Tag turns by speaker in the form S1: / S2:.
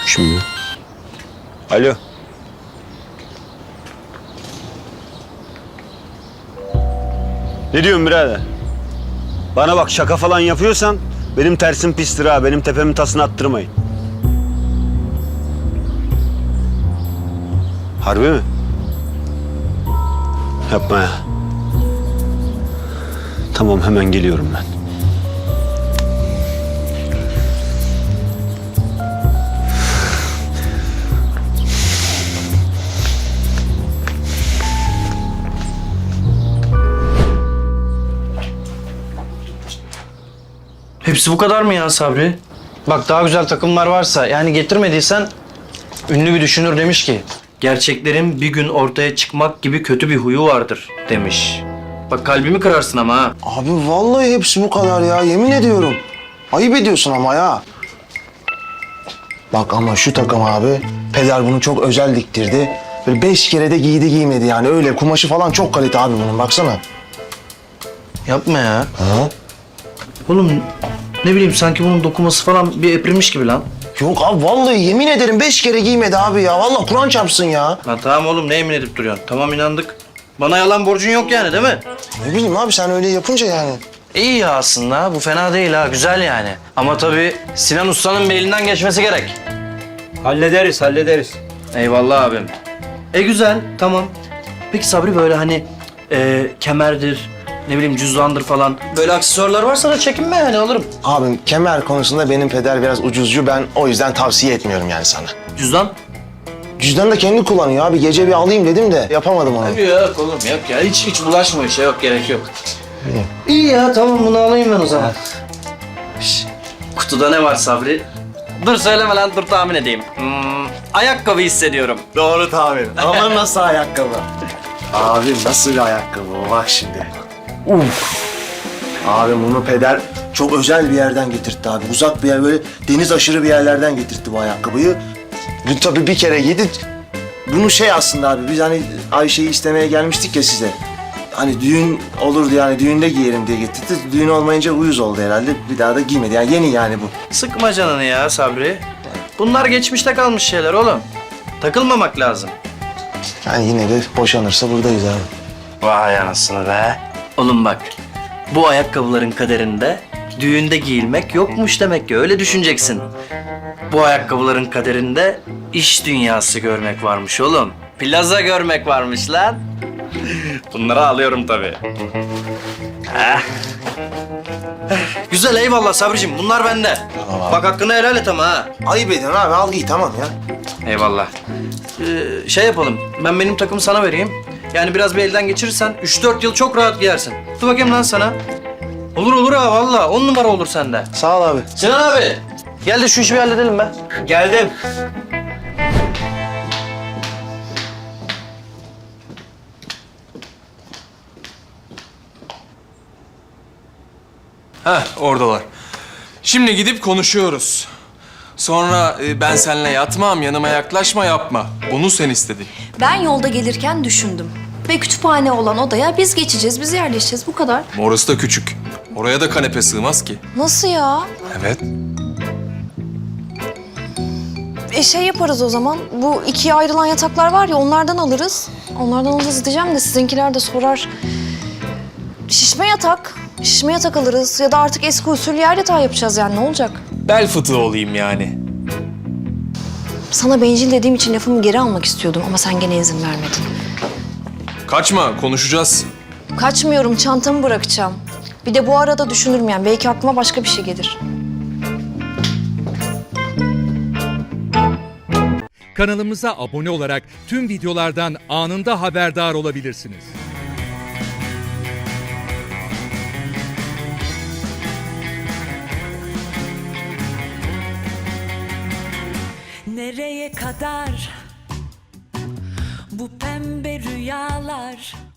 S1: Şimdi. Alo. Ne diyorsun birader? Bana bak, şaka falan yapıyorsan benim tersim pistir ha. Benim tepemin tasını attırmayın. Harbi mi? Yapma ya. Tamam, hemen geliyorum ben.
S2: Hepsi bu kadar mı ya Sabri? Bak daha güzel takımlar varsa yani getirmediysen ünlü bir düşünür demiş ki gerçeklerin bir gün ortaya çıkmak gibi kötü bir huyu vardır demiş. Bak kalbimi kırarsın ama ha.
S3: Abi vallahi hepsi bu kadar ya, yemin ediyorum. Ayıp ediyorsun ama ya. Bak ama şu takım abi, peder bunu çok özel diktirdi. Böyle 5 kere de giydi giymedi yani, öyle kumaşı falan çok kalite abi bunun, baksana.
S2: Yapma ya.
S3: Ha?
S2: Oğlum ne bileyim sanki bunun dokuması falan bir eprimiş gibi lan.
S3: Yok abi vallahi yemin ederim 5 kere giymedi abi ya. Vallahi Kur'an çarpsın ya.
S2: Lan tamam oğlum ne emin edip duruyorsun? Tamam inandık. Bana yalan borcun yok yani değil mi?
S3: Ne bileyim abi, sen öyle yapınca yani.
S2: İyi ya aslında bu fena değil ha güzel yani. Ama tabii Sinan Usta'nın bir elinden geçmesi gerek.
S1: Hallederiz, hallederiz.
S2: Eyvallah abim. Güzel, tamam. Peki Sabri böyle hani kemerdir, ne bileyim cüzdandır falan. Böyle aksesuarlar varsa da çekinme yani alırım.
S3: Abim kemer konusunda benim peder biraz ucuzcu, ben o yüzden tavsiye etmiyorum yani sana.
S2: Cüzdan?
S3: Cüzdanı da kendi kullanıyor abi. Gece bir alayım dedim de yapamadım onu.
S2: Yok oğlum yok ya. Hiç bulaşma işe yok gerek yok. İyi ya tamam bunu alayım ben o zaman. Şş, kutuda ne var Sabri? Dur söyleme lan dur tahmin edeyim. Ayakkabı hissediyorum.
S3: Doğru tahmin. Ama nasıl ayakkabı? Abi nasıl bir ayakkabı o? Bak şimdi. Abi bunu peder çok özel bir yerden getirtti abi. Uzak bir yer, böyle deniz aşırı bir yerlerden getirtti bu ayakkabıyı. Bu tabii bir kere giydi. Bunu şey aslında abi, biz hani Ayşe'yi istemeye gelmiştik ya size. Hani düğün olurdu yani, düğünde giyerim diye getirdi. Düğün olmayınca uyuz oldu herhalde. Bir daha da giymedi. Yani yeni yani bu.
S2: Sıkma canını ya Sabri. Bunlar geçmişte kalmış şeyler oğlum. Takılmamak lazım.
S3: Yani yine de boşanırsa buradayız abi.
S2: Vay anasını be. Oğlum bak, bu ayakkabıların kaderinde düğünde giyilmek yokmuş demek ki, öyle düşüneceksin. Bu ayakkabıların kaderinde iş dünyası görmek varmış oğlum. Plaza görmek varmış lan. Bunları alıyorum tabii. Güzel eyvallah Sabricim, bunlar bende.
S3: Tamam.
S2: Bak hakkını helal et ama ha.
S3: Ayıp ediyorsun abi, al giy tamam ya.
S2: Eyvallah. Şey yapalım, ben benim takımı sana vereyim. Yani biraz bir elden geçirirsen 3-4 yıl çok rahat giyersin. Dur bakayım lan sana. Olur olur ha vallahi 10 numara olur sende.
S3: Sağ ol abi.
S2: Sinan abi. Gel de şu işi bir halledelim be.
S1: Geldim.
S4: Heh, oradalar. Şimdi gidip konuşuyoruz. Sonra ben seninle yatmam, yanıma yaklaşma, yapma. Bunu sen istedin.
S5: Ben yolda gelirken düşündüm. Ve kütüphane olan odaya biz geçeceğiz, biz yerleşeceğiz. Bu kadar.
S4: Orası da küçük. Oraya da kanepe sığmaz ki.
S5: Nasıl ya?
S4: Evet.
S5: Şey yaparız o zaman. Bu ikiye ayrılan yataklar var ya, onlardan alırız. Onlardan alırız diyeceğim de sizinkiler de sorar. Şişme yatak. Şişme yatak alırız. Ya da artık eski usul yer yatağı yapacağız yani, ne olacak?
S4: Bel fıtığı olayım yani.
S5: Sana bencil dediğim için lafımı geri almak istiyordum ama sen gene izin vermedin.
S4: Kaçma, konuşacağız.
S5: Kaçmıyorum, çantamı bırakacağım. Bir de bu arada düşünürüm yani. Belki aklıma başka bir şey gelir.
S6: Kanalımıza abone olarak tüm videolardan anında haberdar olabilirsiniz.
S7: Nereye kadar bu pembe rüyalar?